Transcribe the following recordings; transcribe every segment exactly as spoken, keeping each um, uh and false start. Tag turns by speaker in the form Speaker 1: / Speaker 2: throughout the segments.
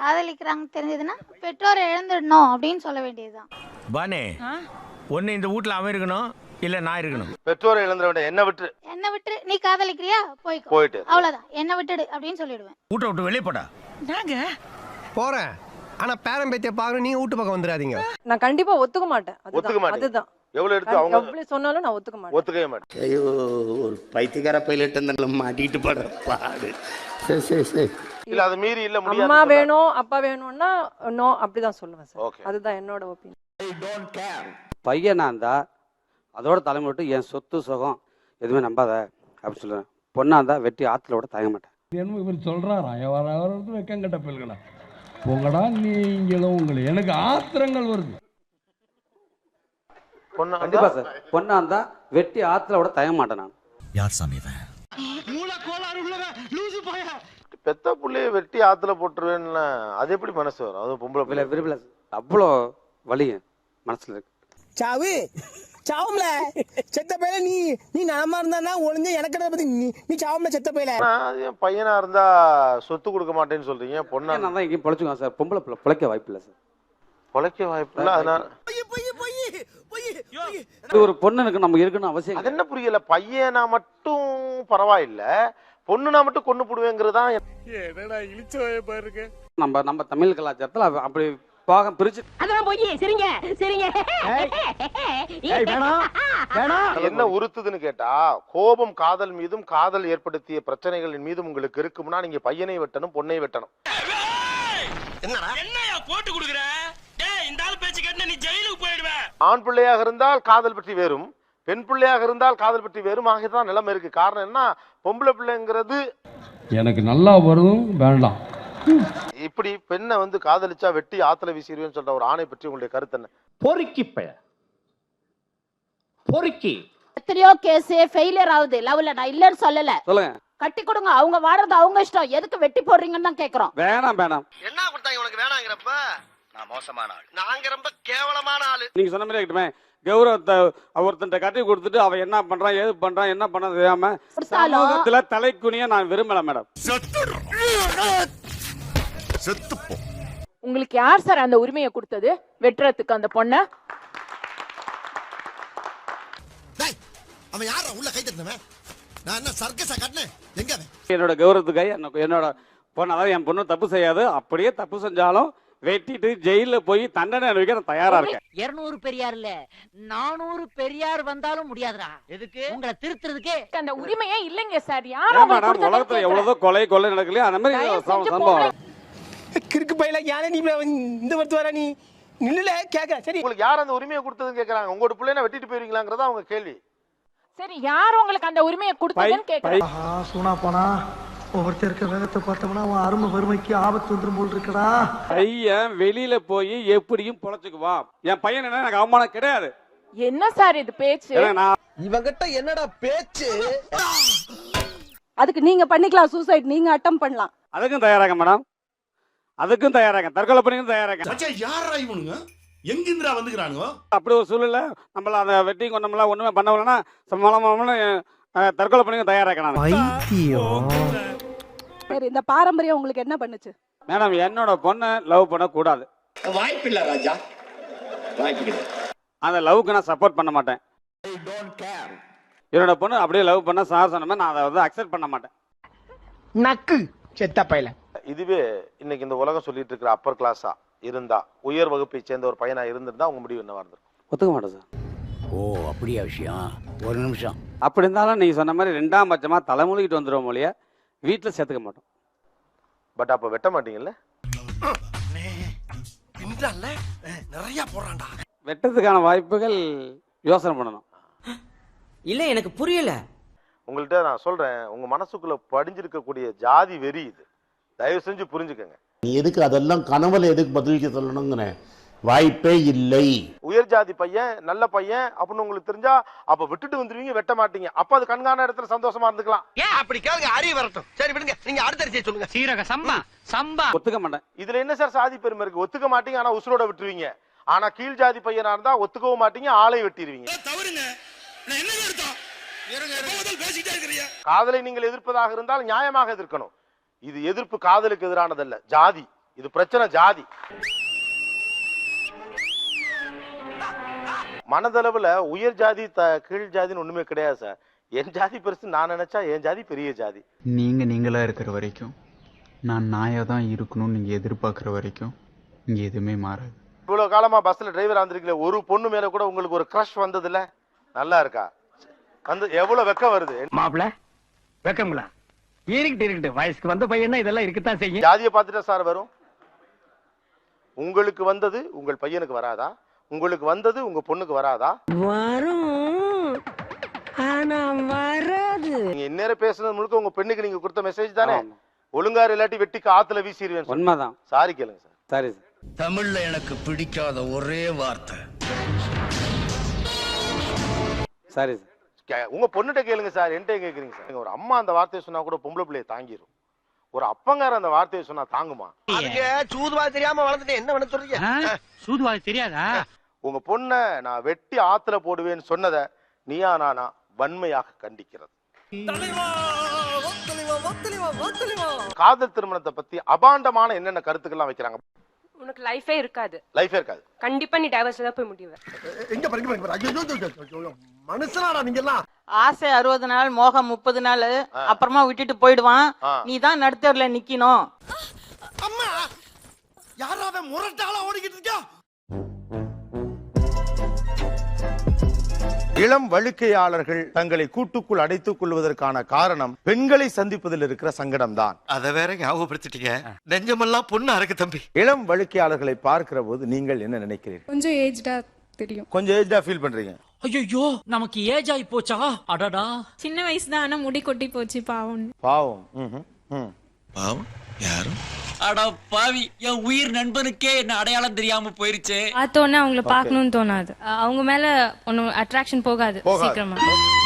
Speaker 1: காதலிக்கிறாங்க தெரிஞ்சதுன்னா பெற்றோரை இழந்துடணும் அப்படின்னு சொல்ல வேண்டியதுதான்.
Speaker 2: பானே ஒன்னு இந்த வீட்ல அவன் இருக்கணும் இல்ல நான் இருக்கணும்.
Speaker 3: பெற்றோரை இழந்துட வேண்டாம், என்ன விட்டு
Speaker 1: என்ன விட்டு நீ காதலிக்கிறியா போய்க்கோ,
Speaker 3: போயிட்டு
Speaker 1: அவ்வளவுதான், என்ன விட்டுடு அப்படின்னு சொல்லிடுவேன்.
Speaker 2: வீட்டை விட்டு வெளியே போடா.
Speaker 4: நாங்க போறேன், ஆனா பேரன் பேத்திய பாக்கணும், நீங்க வீட்டு பக்கம் வந்துடாதீங்க.
Speaker 5: நான் கண்டிப்பா ஒத்துக்க மாட்டேன்.
Speaker 3: ஒத்துக்க மாட்டேன்.
Speaker 5: அதுதான்
Speaker 3: எவ்வளவு எடுத்து அவங்க
Speaker 5: எவ்வளவு சொன்னாலும் நான் ஒத்துக்க மாட்டேன்.
Speaker 3: ஒத்துக்கவே மாட்டேன்.
Speaker 6: ஐயோ, ஒரு பைத்தியக்கார பைலட் இருந்தாலும் மாட்டிட்டு படுற பாடு. சரி சரி சரி
Speaker 3: இல்ல அது மீறி இல்ல முடியாது.
Speaker 5: அம்மா வேணும் அப்பா வேணும்னா நோ அப்படிதான் சொல்லுவேன் சார்.
Speaker 3: Okay.
Speaker 5: அதுதான் என்னோட ஒப்பீனியன்.
Speaker 7: பையனா இருந்தா அதோட தலைமை விட்டு என் சொத்து சுகம் எதுவுமே நம்பாத அப்படின்னு சொல்லுவேன். பொண்ணா இருந்தா வெட்டி ஆத்துல விட தயங்க மாட்டேன்.
Speaker 8: என்ன இவர் சொல்றாரா, வர வர வெக்கங்கட்ட பிள்ளைகளா போங்கடா நீங்களும் உங்களை, எனக்கு ஆத்திரங்கள் வருது.
Speaker 3: பொண்ணு
Speaker 7: கண்டிப்பா சார், பொண்ணா இருந்தா வெட்டி ஆத்துல விட தயங்க மாட்டேன் நான்.
Speaker 2: யார் சாமி
Speaker 3: பெத்த புள்ளைய வெட்டி ஆத்துல போட்டுருவேன்னு அது எப்படி மனசு வரும்? அது பொம்பளை பிள்ளை.
Speaker 7: விரும்பல, அவ்வளோ வலி மனசுல இருக்கு.
Speaker 9: சாவு சாவும்ல செத்த பையல, நீ நீ நலமா இருந்தா ஒளிஞ்ச எனக்கு பத்தி நீ நீ சாவும்ல செத்த பையல.
Speaker 3: பையனா இருந்தா சொத்து கொடுக்க மாட்டேன்னு சொல்றீங்க, பொண்ணா
Speaker 7: நான் தான் எங்கேயும் பொழைச்சுக்குவேன் சார். பொம்பளை பிள்ளை பிழைக்க வாய்ப்பு இல்லை சார்.
Speaker 3: பொழைக்க வாய்ப்பு இல்லை. அதனால
Speaker 7: இது ஒரு பொண்ணுக்கு நம்ம இருக்கணும் அவசியம்.
Speaker 3: அது என்ன புரியல, பையனா மட்டும் பரவாயில்ல, பொண்ணுனா மட்டும் கொண்டு போடுவேங்கிறதான்.
Speaker 7: நம்ம நம்ம தமிழ் கலாச்சாரத்துல அப்படி பாகம் பிரிச்சு
Speaker 10: அதெல்லாம் போய் சரிங்க சரிங்க
Speaker 3: என்ன உறுத்துதுன்னு கேட்டா, கோபம் காதல் மீதும் காதல் ஏற்படுத்திய பிரச்சனைகளின் மீதும் உங்களுக்கு இருக்கும்னா நீங்க பையனை வெட்டணும், பொண்ணை வெட்டணும்.
Speaker 2: போட்டு கொடுக்குற இந்த ஆள் பேச்சு கேட்டு நீ ஜெயிலுக்கு போயிடுவ.
Speaker 3: ஆண் பிள்ளையாக இருந்தால் காதல் பற்றி வேறும், பெண் பிள்ளையாக இருந்தால் காதல் பற்றி வேறும் ஆகியதான் நிலைமை இருக்கு. காரணம் என்ன, பொம்பளை பிள்ளைங்கிறது
Speaker 8: எனக்கு நல்லா வரும் வேண்டாம்.
Speaker 3: இப்படி பெண்ணை வந்து காதலிச்சா வெட்டி ஆத்துல வீசிடுவேன்னு சொல்ற ஒரு ஆணை பற்றி உங்களுடைய கருத்து என்ன?
Speaker 6: பொறுக்கி பைய பொறுக்கி
Speaker 10: எத்தனையோ கேஸ் ஃபெயிலியர் ஆகுது லவ்ல. நான் இல்லன்னு சொல்லல,
Speaker 7: சொல்லுங்க.
Speaker 10: கட்டி கொடுங்க, அவங்க வாடுறது அவங்க இஷ்டம், எதுக்கு வெட்டி போடுறீங்கன்னு தான் கேக்குறோம்.
Speaker 7: வேணாம் வேணாம்.
Speaker 3: என்ன கொடுத்தாங்க உனக்கு வேணாங்கிறப்ப? நான் மோசமான ஆள், நாங்க ரொம்ப கேவலமான ஆளு.
Speaker 7: நீங்க சொன்ன மாதிரி இருக்கட்டுமே, கௌரவத்தை ஒருத்தன் கட்டி கொடுத்துட்டு அவன் என்ன பண்றான் ஏது பண்றான் என்ன பண்ண தெரியாம சமூகத்துல தலைக்குனிய நான் விரும்பல மேடம்.
Speaker 5: உங்களுக்கு யார் சார் அந்த உரிமையை கொடுத்தது வெட்டுறதுக்கு அந்த பொண்ண?
Speaker 9: அவன் யாரா உள்ள கை தட்டினவன்? நான் என்ன சர்க்கஸா கட்டினேன்? எங்க
Speaker 7: என்னோட கௌரவத்துக்காக என்னோட பொண்ணு, அதாவது என் பொண்ணு தப்பு செய்யாது, அப்படியே தப்பு செஞ்சாலும் வெட்டிட்டு ஜெயில போய் தண்டனை அனுபவிக்க நான் தயாரா இருக்கேன்.
Speaker 10: இருநூறு பெரியார் இல்ல நானூறு பெரியார் வந்தாலும் முடியாதுடா. எதுக்கு? உங்களை திருத்துறதுக்கே
Speaker 5: அந்த உரிமையே இல்லைங்க சார். யார்
Speaker 7: மேடம், உலகத்துல எவ்வளவோ கொலை கொலை நடக்கலையா அந்த மாதிரி சம்பவம்.
Speaker 9: கிறுக்கு பையல யாரே நீ இந்த வருத்து வர நீ நில்லுல கேக்க. சரி,
Speaker 3: உங்களுக்கு யார் அந்த உரிமையை கொடுத்ததுன்னு கேக்குறாங்க. உங்களோட பிள்ளைனா வெட்டிட்டு போயிருவீங்களாங்கிறதா அவங்க கேள்வி.
Speaker 5: சரி, யார் உங்களுக்கு அந்த உரிமையை கொடுத்ததுன்னு கேக்குறாங்க.
Speaker 9: ஆஹா, சூனா போனா ஒவ்வொருத்தருக்கு வேகத்தை பார்த்தோம்னா அவன் அருமை வறுமைக்கு ஆபத்து வந்துரும் போல் இருக்கடா.
Speaker 7: பையன் வெளியில போய் எப்படியும் பொழைச்சுக்குவான். என் பையன் என்ன எனக்கு அவமானம் கிடையாது.
Speaker 5: என்ன சார் இது பேச்சு?
Speaker 9: இவங்கிட்ட என்னடா பேச்சு?
Speaker 5: அதுக்கு நீங்க பண்ணிக்கலாம், சூசைட் நீங்க அட்டம் பண்ணலாம்.
Speaker 7: அதுக்கும் தயாராக மேடம், அதுக்கும் தயாராக, தற்கொலை பண்ணிக்கும் தயாராக.
Speaker 6: யாரா இவனுங்க எங்கிந்திரா வந்துக்கிறானுங்க?
Speaker 7: அப்படி ஒரு சூழ்நிலை நம்மள அந்த வெட்டி கொண்டோம்லாம் ஒண்ணுமே பண்ணலன்னா சமாளமான தற்கொலை பண்ணிக்கும் தயாராக.
Speaker 5: சரி, இந்த பாரம்பரியம் உங்களுக்கு என்ன பண்ணுச்சு?
Speaker 7: மேடம், என்னோட பொண்ணை லவ் பண்ண கூடாது.
Speaker 6: வாய்ப்பு இல்ல ராஜா, வாய்ப்பு இல்லை.
Speaker 7: அந்த லவ்க்கு நான் சப்போர்ட் பண்ண மாட்டேன். என்னோட பொண்ணு அப்படியே லவ் பண்ண சார் சொன்ன மாதிரி நான் அதை வந்து அக்செப்ட் பண்ண மாட்டேன்.
Speaker 9: நக்கு செத்த பையல.
Speaker 3: இதுவே இன்னைக்கு இந்த உலகம் சொல்லிட்டு இருக்கிற அப்பர் கிளாஸா இருந்தா, உயர் வகுப்பை சேர்ந்த ஒரு பையனா இருந்திருந்தா உங்க முடிவு என்னவா இருந்திருக்கும்?
Speaker 7: ஒத்துக்க மாட்டேன் சார்.
Speaker 6: ஓ அப்படியா விஷயம்? ஒரு நிமிஷம்.
Speaker 7: அப்படி இருந்தாலும் நீங்க சொன்ன மாதிரி ரெண்டாம் பட்சமா தலைமொழிகிட்டு வந்துடும் மொழிய வீட்டுல சேர்த்துக்க மாட்டோம்.
Speaker 3: பட் அப்ப வெட்ட மாட்டீங்கல்ல?
Speaker 9: நிறைய போறான்டா.
Speaker 7: வெட்டத்துக்கான வாய்ப்புகள் யோசனை பண்ணணும்.
Speaker 10: இல்ல எனக்கு புரியல.
Speaker 3: உங்கள்கிட்ட நான் சொல்றேன், உங்க மனசுக்குள்ள படிஞ்சிருக்கக்கூடிய ஜாதி வெறி இது. தயவு செஞ்சு புரிஞ்சுக்கங்க.
Speaker 6: நீ எதுக்கு அதெல்லாம் கனவுல எதுக்கு பதிலுக்கு சொல்லணுங்கிற வாய்ப்பே இல்லை.
Speaker 3: உயர் ஜாதி பையன் நல்ல பையன் அப்படின்னு உங்களுக்கு தெரிஞ்சா அப்ப விட்டுட்டு வந்துருவீங்க, வெட்ட மாட்டீங்க. அப்ப அது கண்காண இடத்துல சந்தோஷமா இருந்துக்கலாம்.
Speaker 9: ஏன் அப்படி கேளுங்க, அறிய வரட்டும். சரி விடுங்க, நீங்க அடுத்த அரிசியை சொல்லுங்க.
Speaker 10: சீரக சம்பா சம்பா.
Speaker 7: ஒத்துக்க மாட்டேன்.
Speaker 3: இதுல என்ன சார் சாதி பெருமை இருக்கு? ஒத்துக்க மாட்டீங்க, ஆனா உசுரோட விட்டுருவீங்க. ஆனா கீழ் ஜாதி பையனா இருந்தா ஒத்துக்கவும் மாட்டீங்க, ஆளை வெட்டிடுவீங்க. காதலை நீங்கள் எதிர்ப்பதாக இருந்தால் நியாயமாக எதிர்க்கணும். இது எதிர்ப்பு காதலுக்கு எதிரானதல்ல, ஜாதி. இது பிரச்சனை ஜாதி. மனதளவுல உயர் ஜாதி கீழ் ஜாதின்னு ஒண்ணுமே கிடையாது சார். என் ஜாதி பெருசு நான் நினைச்சா என் ஜாதி பெரிய ஜாதி.
Speaker 11: நீங்க நீங்களா இருக்கிற வரைக்கும், நான் நாயா தான் இருக்கணும்னு நீங்க எதிர்பார்க்குற வரைக்கும் இங்க எதுவுமே மாறாது.
Speaker 3: இவ்வளவு காலமா பஸ்ல டிரைவர் வந்திருக்கீங்களே, ஒரு பொண்ணு மேல கூட உங்களுக்கு ஒரு கிரஷ் வந்தது இல்ல? நல்லா இருக்கா? வந்து எவ்வளவு வெக்கம் வருது
Speaker 10: மாப்பிள, வெக்கங்களா? இருக்கட்டு இருக்கட்டு, வயசுக்கு வந்த பையனா இதெல்லாம் இருக்கத்தான் செய்யும்.
Speaker 3: ஜாதியை பார்த்துட்டா சார் வரும்? உங்களுக்கு வந்தது உங்கள் பையனுக்கு வராதா? உங்களுக்கு வந்தது உங்க பொண்ணுக்கு வராதா?
Speaker 9: வரும், ஆனா வராது.
Speaker 3: நீங்க இந்நேரம் பேசுனது முழுக்க உங்க பெண்ணுக்கு நீங்க கொடுத்த மெசேஜ் தானே? ஒழுங்காரு இல்லாட்டி வெட்டிக்கு ஆத்துல வீசிடுவேன்.
Speaker 7: உண்மைதான்.
Speaker 3: சாரி கேளுங்க சார்.
Speaker 7: சரி சார்.
Speaker 6: தமிழ்ல எனக்கு பிடிக்காத ஒரே வார்த்தை
Speaker 7: சரி சார்.
Speaker 3: உங்க பொண்ணுகிட்ட கேளுங்க சார், என்கிட்ட கேக்குறீங்க சார். ஒரு அம்மா அந்த வார்த்தையை சொன்னா கூட பொம்பளை பிள்ளைய தாங்கிரும். ஒரு அப்பங்கார அந்த வார்த்தையை சொன்னா தாங்குமா?
Speaker 9: சூதுவா தெரியாம வளர்ந்துட்டு என்ன பண்ண சொல்றீங்க?
Speaker 10: சூதுவாது தெரியாதா?
Speaker 3: உங்க பொண்ண நான் வெட்டி ஆத்துல போடுவேன்னு சொன்னதை நீயா நானா வன்மையாக கண்டிக்கிறது. காதல் திருமணத்தை பத்தி அபாண்டமான என்னென்ன கருத்துக்கள்லாம் வைக்கிறாங்க.
Speaker 5: உனக்கு லைஃபே இருக்காது.
Speaker 3: லைஃபே இருக்காது.
Speaker 5: கண்டிப்பா நீ டைவர்ஸ்ல தான் போய் முடிவே.
Speaker 9: எங்க படிக்க மனுஷனாடா நீங்க எல்லாம்.
Speaker 5: ஆசை அறுபது நாள், மோகம் முப்பது நாள், அப்புறமா விட்டுட்டு போயிடுவான். நீ தான் நடுத்தர்ல நிக்கணும்.
Speaker 9: அம்மா யாராவே முரட்டாளா ஓடிக்கிட்டு இருக்கா?
Speaker 3: இளம் வழுக்கையாளர்கள் தங்களை கூட்டுக்குள் அடைத்துக் கொள்வதற்கான காரணம் பெண்களை சந்திப்பதில் இருக்கிற சங்கடம் தான்.
Speaker 6: அதை வேற ஞாபகப்படுத்திட்டீங்க. நெஞ்சமெல்லாம் பொண்ணு அறக்கு தம்பி.
Speaker 3: இளம் வழுக்கையாளர்களை பார்க்கிற போது நீங்கள் என்ன நினைக்கிறீர்கள்?
Speaker 5: கொஞ்சம் ஏஜ்டா தெரியும்.
Speaker 3: கொஞ்சம் ஏஜ்டா ஃபீல் பண்றீங்க.
Speaker 10: ஐயோ, நமக்கு ஏஜ் ஆயி போச்சா? அடடா,
Speaker 5: சின்ன வயசு தான், ஆனா முடி கொட்டி போச்சு. பாவம்.
Speaker 3: பாவம்.
Speaker 6: பாவம் யாரும்?
Speaker 10: அட பாவி, என் உயிர் நண்பனுக்கே என்ன அடையாளம் தெரியாம போயிருச்சு.
Speaker 5: பார்த்தோன்னே அவங்கள பார்க்கணும்னு தோணாது. அவங்க மேல ஒன்னும் அட்ராக்ஷன் போகாது சீக்கிரமா.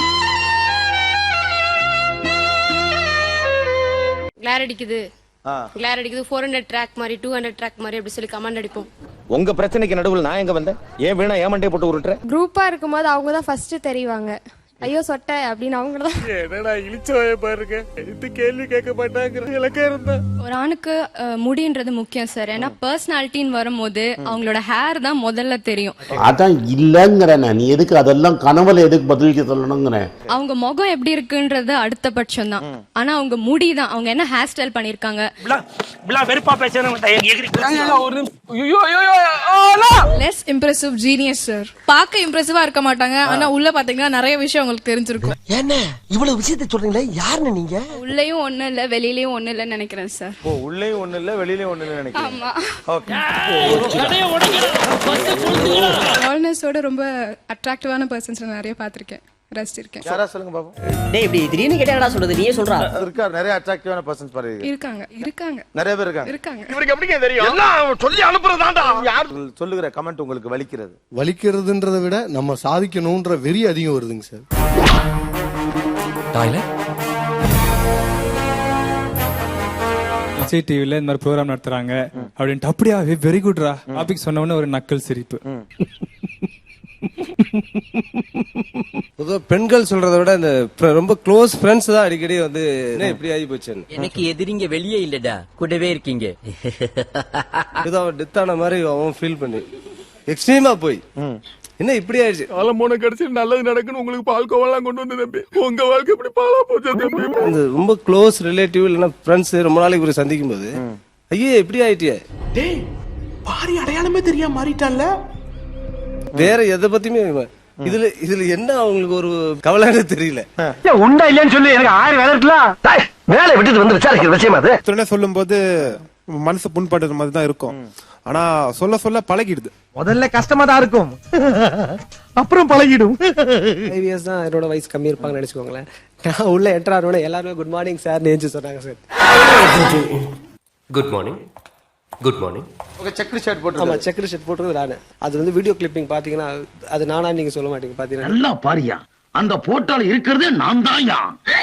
Speaker 12: கிளார் அடிக்குது, கிளார் அடிக்குது, ஃபோர் ஹண்ட்ரட் ட்ராக் மாதிரி, டூ ஹண்ட்ரட் ட்ராக் மாதிரி அப்படி சொல்லி கமெண்ட் அடிப்போம்.
Speaker 2: உங்க பிரச்சனைக்கு நடுவில் நான் எங்க வந்தேன்? ஏன் வேணா ஏமண்டே போட்டு உருட்டுறேன்?
Speaker 12: குரூப்பா இருக்கும்போது அவங்க தான் ஃபர்ஸ்ட் தெரிவாங்க. ஐயோ சொட்ட அப்படின்னு அவங்க தான்.
Speaker 9: என்னடா இழிச்சவாய பாருங்க, இந்த கேள்வி கேட்க மாட்டாங்க. இலக்கே இருந்தா
Speaker 12: ஒரு ஆணுக்கு முடின்றது முக்கியம் சார். ஏன்னா பர்சனாலிட்டின்னு வரும்போது அவங்களோட ஹேர் தான் முதல்ல தெரியும்.
Speaker 6: அதான் இல்லங்கிற நீ எதுக்கு அதெல்லாம் கனவுல எதுக்கு பதிலுக்கு சொல்லணுங்கிற?
Speaker 12: அவங்க முகம் எப்படி இருக்குன்றது அடுத்த பட்சம் தான். ஆனா அவங்க முடி தான், அவங்க என்ன ஹேர் ஸ்டைல் பண்ணிருக்காங்க.
Speaker 10: வெறுப்பா பேசுறேன்.
Speaker 12: Less impressive genius sir. பார்க்க இம்ப்ரெசிவா இருக்க மாட்டாங்க, ஆனா உள்ள பாத்தீங்கன்னா நிறைய விஷயம் உங்களுக்கு தெரிஞ்சிருக்கும்.
Speaker 9: என்ன இவ்வளவு விஷயத்தை சொல்றீங்களே, யாருன்னு நீங்க?
Speaker 12: உள்ளேயும் ஒண்ணு இல்ல, வெளியிலயும் ஒண்ணு இல்லன்னு நினைக்கிறேன் சார்.
Speaker 3: ஓ, உள்ளேயும் ஒண்ணு இல்ல, வெளியிலயும் ஒண்ணு இல்ல நினைக்கிறேன்.
Speaker 12: ஆமா.
Speaker 3: ஓகே.
Speaker 12: ஆல்னஸோட ரொம்ப அட்ராக்டிவான பர்சன்ஸ் நிறைய பாத்திருக்கேன், ரசிச்சிருக்கேன்.
Speaker 3: யாரா சொல்லுங்க பாப்போம்.
Speaker 9: டேய் இப்படி திடீர்னு கேட்டா சொல்றது நீயே சொல்றா?
Speaker 3: இருக்கார் நிறைய அட்ராக்டிவான பர்சன்ஸ் பாருங்க.
Speaker 12: இருக்காங்க இருக்காங்க
Speaker 3: நிறைய பேர் இருக்காங்க.
Speaker 12: இருக்காங்க.
Speaker 9: இவருக்கு எப்படிங்க தெரியும்? எல்லாம் சொல்லி அனுப்புறதாண்டா.
Speaker 3: யார் சொல்லுகிற கமெண்ட் உங்களுக்கு வலிக்கிறது?
Speaker 4: வலிக்கிறதுன்றதை விட நம்ம சாதிக்கணும்ன்ற வெறி அதிகம் வருதுங்க சார்.
Speaker 8: விஜய் டிவில இந்த மாதிரி ப்ரோக்ராம் நடத்துறாங்க அப்படின்ட்டு அப்படியா வெரி குட்ரா டாபிக் சொன்ன உடனே ஒரு நக்கல் சிரிப்பு.
Speaker 4: பெண்கள் சொல்றதை விட இந்த ரொம்ப க்ளோஸ் ஃப்ரெண்ட்ஸ் தான் அடிக்கடி வந்து என்ன இப்படி ஆகி போச்சு.
Speaker 10: எனக்கு எதிரிங்க வெளியே இல்லடா, கூடவே இருக்கீங்க.
Speaker 4: ஏதோ அவன் டெத் ஆன மாதிரி அவன் ஃபீல் பண்ணி எக்ஸ்ட்ரீமா போய் என்ன இப்படி ஆயிடுச்சு.
Speaker 9: மூணு கடைசி நல்லது நடக்குன்னு உங்களுக்கு பால்கோவெல்லாம் கொண்டு வந்து தம்பி, உங்க வாழ்க்கை இப்படி பாலா போச்சு தம்பி.
Speaker 4: அந்த ரொம்ப க்ளோஸ் ரிலேட்டிவ் இல்லைன்னா ஃப்ரெண்ட்ஸ் ரொம்ப நாளைக்கு ஒரு சந்திக்கும் போது ஐயோ எப்படி ஆயிட்டிய,
Speaker 9: டேய் பாரி அடையாளமே தெரியாம மாறிட்டான்ல.
Speaker 4: வேற எதை பத்தியுமே இதுல இதுல என்ன அவங்களுக்கு ஒரு கவலைன்னு தெரியல.
Speaker 9: உண்டா இல்லையான்னு சொல்லி எனக்கு ஆறு வேலை இருக்கலாம். வேலை விட்டுட்டு வந்து விசாரிக்கிற விஷயம் அது.
Speaker 4: சொல்லும் போது மனசு புண்படுற மாதிரி தான் இருக்கும். ஆனா சொல்ல சொல்ல பழகிடுது.
Speaker 9: முதல்ல கஷ்டமா தான் இருக்கும், அப்புறம் பழகிடும்.
Speaker 13: ஃபைவ் இயர்ஸ் தான் என்னோட வயசு கம்மி இருப்பாங்கன்னு நினைச்சுக்கோங்களேன். நான் உள்ள என்டர் ஆனோட எல்லாருமே குட் மார்னிங் சார் நேஞ்சு சொன்னாங்க sir.
Speaker 6: Good morning good morning.
Speaker 3: Okay, check shirt போட்டு.
Speaker 13: ஆமா, செக் ஷர்ட் போட்டுறது நானு. அது வந்து வீடியோ கிளிப்பிங் பாத்தீங்கன்னா அது நானா நீங்க சொல்ல மாட்டீங்க. பாத்தீங்கன்னா
Speaker 10: நல்லா பாரியா, அந்த போட்டோல இருக்கிறதே நான் தான்யா.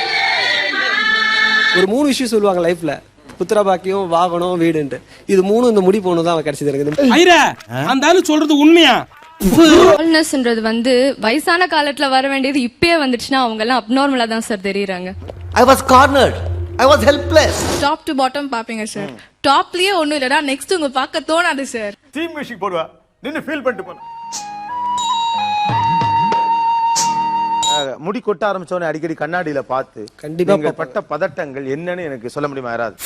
Speaker 13: ஒரு மூணு விஷயம் சொல்லுவாங்க லைஃப்ல, புத்திர பாக்கியம், வாகனம், வீடுன்ட்டு. இது மூணு இந்த முடி போகணும் தான் கிடைச்சது எனக்கு.
Speaker 9: அந்த ஆளு சொல்றது உண்மையா?
Speaker 12: ஆல்னஸ்ன்றது வந்து வயசான காலத்துல வர வேண்டியது இப்பயே வந்துடுச்சுன்னா அவங்க எல்லாம் அப்நார்மலா தான் சார் தெரியுறாங்க.
Speaker 9: I was cornered.
Speaker 4: I was helpless.
Speaker 12: Top to bottom பாப்பீங்க சார். டாப்லயே ஒண்ணும் இல்லடா, நெக்ஸ்ட் உங்க பார்க்க தோணாது சார்.
Speaker 2: தீம் மியூசிக் போடுவா, நின்னு ஃபீல் பண்ணிட்டு போன.
Speaker 3: முடி கொட்ட ஆரம்பிச்சவனே அடிக்கடி கண்ணாடியில பார்த்து
Speaker 13: கண்டிப்பா
Speaker 3: நீங்கள் பட்ட பதட்டங்கள் என்னன்னு எனக்கு சொல்ல முடியுமா யாராவது?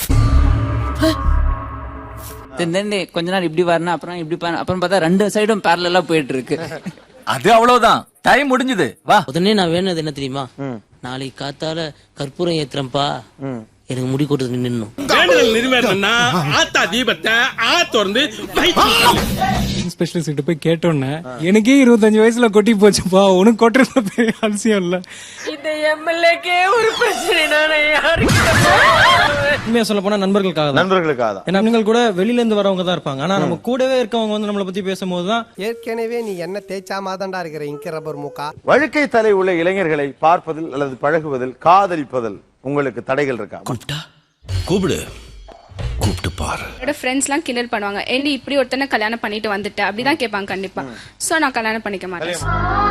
Speaker 10: கொஞ்ச நாள் இப்படி வரணும், அப்புறம் இப்படி அப்புறம் பார்த்தா ரெண்டு சைடும் பேரலா போயிட்டு இருக்கு.
Speaker 2: அது அவ்வளவுதான், டைம் முடிஞ்சது. வா.
Speaker 9: உடனே நான் வேணுது என்ன தெரியுமா, நாளைக்கு காத்தால கற்பூரம் ஏத்துறப்பா, எனக்கு முடி கொட்டது நின்னும்.
Speaker 7: ஆத்தா தீபத்தை ஆத்தொர்ந்து
Speaker 8: ஸ்பெஷலிஸ்ட் கிட்ட போய் கேட்டோன்னே எனக்கே இருபத்தஞ்சு வயசுல கொட்டி போச்சுப்பா, உனக்கு கொட்டுறது பெரிய அவசியம் இல்ல.
Speaker 5: இந்த எம்எல்ஏக்கே ஒரு பிரச்சனை.
Speaker 13: உண்மையா சொல்ல போனா நண்பர்களுக்காக தான்.
Speaker 3: நண்பர்களுக்காக தான்.
Speaker 13: ஏன்னா நீங்கள் கூட வெளியில இருந்து வரவங்க தான் இருப்பாங்க, ஆனா நம்ம கூடவே இருக்கவங்க வந்து நம்மளை பத்தி பேசும்போது தான்
Speaker 9: ஏற்கனவே நீ என்ன தேய்ச்சா மாதாண்டா இருக்கிற இங்க ரப்பர் மூக்கா.
Speaker 3: வழுக்கை தலை உள்ள இளைஞர்களை பார்ப்பதில் அல்லது பழகுவதில், காதலிப்பதில் உங்களுக்கு தடைகள் இருக்கா?
Speaker 2: கூப்பிட்டா கூப்பிடு, கூப்பிட்டு பாரு.
Speaker 12: என்னோட ஃப்ரெண்ட்ஸ் எல்லாம் கிண்டல் பண்ணுவாங்க, ஏண்டி இப்படி ஒருத்தனை கல்யாணம் பண்ணிட்டு வந்துட்ட அப்படிதான் கேட்பாங்க கண்டிப்பா. சோ நான் கல்யாணம் பண்ணிக்க மாட்டேன்.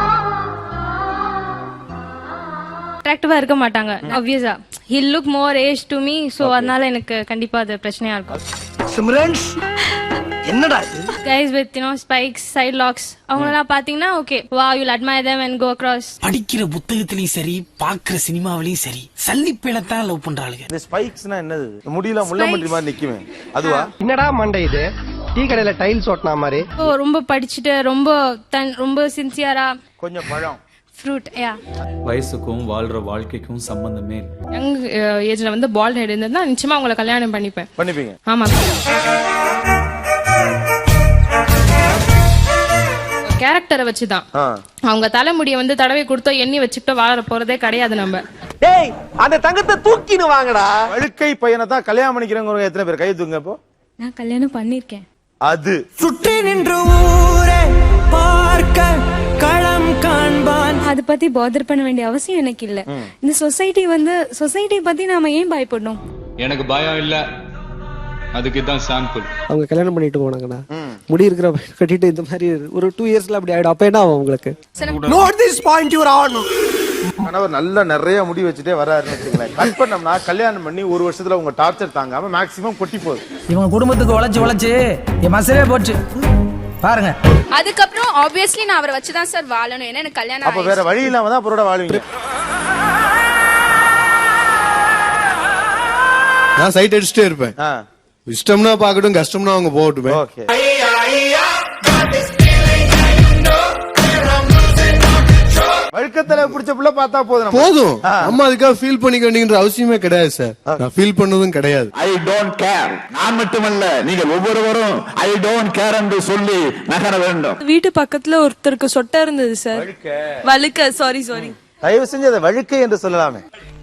Speaker 1: அட்ராக்டிவா இருக்க மாட்டாங்க obviously. he look more age to me, so அதனால எனக்கு கண்டிப்பா அது பிரச்சனையா இருக்கும்.
Speaker 9: சிம்ரன்ஸ் என்னடா இது?
Speaker 1: guys with you know spikes, side locks, அவங்களலாம் பாத்தீங்கன்னா okay, wow, you'll admire them and go across.
Speaker 9: படிக்கிற புத்தகத்திலயும் சரி, பாக்குற சினிமாவிலயும் சரி, சல்லிப்பேலத்தான் லவ் பண்றாளுங்க.
Speaker 3: இந்த ஸ்பைக்ஸ்னா என்னது? முடியல முள்ளம்பன்றி மாதிரி நிக்குமே அதுவா?
Speaker 9: என்னடா மண்டை இது? டீ கடையில டைல்ஸ் ஓட்டனா மாதிரி.
Speaker 1: ஓ, ரொம்ப படிச்சுட்டு ரொம்ப தன் ரொம்ப சின்சியரா
Speaker 3: கொஞ்சம் பழம்
Speaker 1: ஃப்ரூட். யா,
Speaker 11: வயசுக்கும் வாழ்ற வாழ்க்கைக்கும் சம்பந்தமே இல்லை.
Speaker 12: யங் ஏஜ்ல வந்து பால்ட் ஹெட் இருந்தா நிச்சயமா உங்களை கல்யாணம் பண்ணிப்பேன்.
Speaker 3: பண்ணிப்பீங்க?
Speaker 12: ஆமா. கேரக்டரை வச்சுதான். அவங்க தலைமுடிய வந்து தடவை கொடுத்தோ எண்ணி வச்சுக்கிட்டோ வாழ போறதே கிடையாது நம்ம.
Speaker 9: டேய், அந்த தங்கத்தை தூக்கினு வாங்கடா.
Speaker 3: வழுக்கை பையனை தான் கல்யாணம் பண்ணிக்கிறவங்க எத்தனை பேர் கை தூங்க? இப்போ
Speaker 1: நான் கல்யாணம் பண்ணிருக்கேன்.
Speaker 3: அது
Speaker 9: சுற்றி நின்று ஊரே பார்க்க களம் காண்பான்.
Speaker 1: அத பத்தி பாதர் பண்ண வேண்டிய அவசியம் எனக்கு இல்ல. இந்த சொசைட்டி வந்து சொசைட்டி பத்தி நாம ஏன் பயப்படணும்?
Speaker 11: எனக்கு பயம் இல்ல, அதுக்கு தான் சாம்பிள்.
Speaker 13: அவங்க கல்யாணம் பண்ணிட்டு போனாங்கண்ணா, முடி இருக்கிற கட்டிட்டு இந்த மாதிரி ஒரு டூ இயர்ஸ்ல அப்படி ஆயிடும். அப்ப என்ன ஆகும் உங்களுக்கு?
Speaker 9: Note this point your on.
Speaker 3: கணவர் நல்ல நிறைய முடி வச்சுட்டே வராருன்னு வச்சுங்களேன். கட் பண்ணோம்னா கல்யாணம் பண்ணி ஒரு வருஷத்துல உங்க டார்ச்சர் தாங்காம மேக்ஸிமம் கொட்டி போகுது.
Speaker 9: இவங்க குடும்பத்துக்கு உழைச்சு உழைச்சு என் மசரே போச்சு பாருங்க.
Speaker 12: அதுக்கப்புறம் ஆப்வியஸ்லி நான் அவரை வச்சுதான் சார் வாழணும். ஏன்னா எனக்கு கல்யாணம்
Speaker 3: அப்ப வேற வழி இல்லாம தான் அவரோட வாழ்வீங்க.
Speaker 4: நான் சைட் அடிச்சுட்டே இருப்பேன். இஷ்டம்னா பாக்கட்டும், கஷ்டம்னா அவங்க போகட்டுமே.
Speaker 3: ஓகே. வழுக்கத்தலை பிடிச்ச புள்ள பார்த்தா போதும்
Speaker 4: போதும். அம்மா அதுக்காக ஃபீல் பண்ணிக்க வேண்டியன்ற அவசியமே கிடையாது சார். நான் ஃபீல் பண்ணதும் கிடையாது.
Speaker 2: I don't care. நான் மட்டுமல்ல, நீங்கள் ஒவ்வொருவரும் ஐ டோன்ட் கேர் என்று சொல்லி நகர வேண்டும்.
Speaker 12: வீட்டு பக்கத்துல ஒருத்தருக்கு சொட்டை இருந்தது சார். வழுக்க சாரி சாரி
Speaker 3: தயவு செஞ்சு அதை வழுக்கை என்று சொல்லலாமே.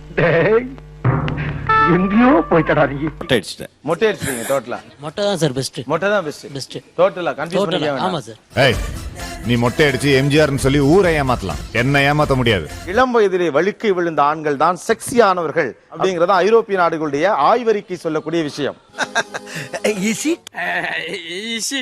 Speaker 9: எங்கேயோ போய்ட்டடா நீ.
Speaker 4: மொட்டை அடிச்சிட்டேன்.
Speaker 3: மொட்டை அடிச்சிட்டீங்க டோட்டலா?
Speaker 9: மொட்டை தான் சார் பெஸ்ட்.
Speaker 3: மொட்டை தான் பெஸ்ட்.
Speaker 9: பெஸ்ட்
Speaker 3: டோட்டலா கன்ஃபியூஸ் பண்ணிக்க வேண்டாம்.
Speaker 9: ஆமா சார்.
Speaker 14: ஏய், நீ மொட்டை அடிச்சு எம்ஜிஆர்னு சொல்லி ஊரை ஏமாத்தலாம், என்ன ஏமாத்த முடியாது.
Speaker 3: இளம் வயதிலே வழுக்கை விழுந்த ஆண்கள் தான் செக்ஸியானவர்கள் அப்படிங்கறத ஐரோப்பிய நாடுகளுடைய ஆய்வறிக்கை சொல்லக்கூடிய விஷயம்.